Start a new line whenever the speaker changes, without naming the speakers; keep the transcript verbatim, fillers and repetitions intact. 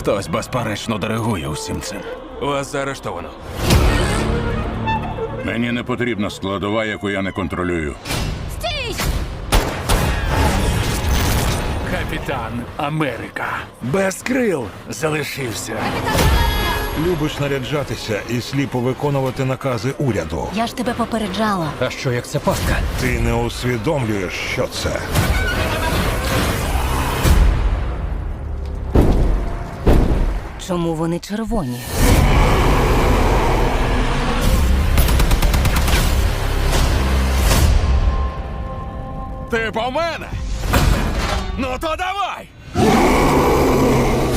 Хтось безперечно диригує усім цим.
Вас заарештовано.
Мені не потрібна складова, яку я не контролюю.
Стій!
Капітан Америка. Без крил залишився.
Любиш наряджатися і сліпо виконувати накази уряду.
Я ж тебе попереджала.
А що, як це пастка?
Ти не усвідомлюєш, що це.
Чому вони червоні?
Ти по мене? Ну то давай!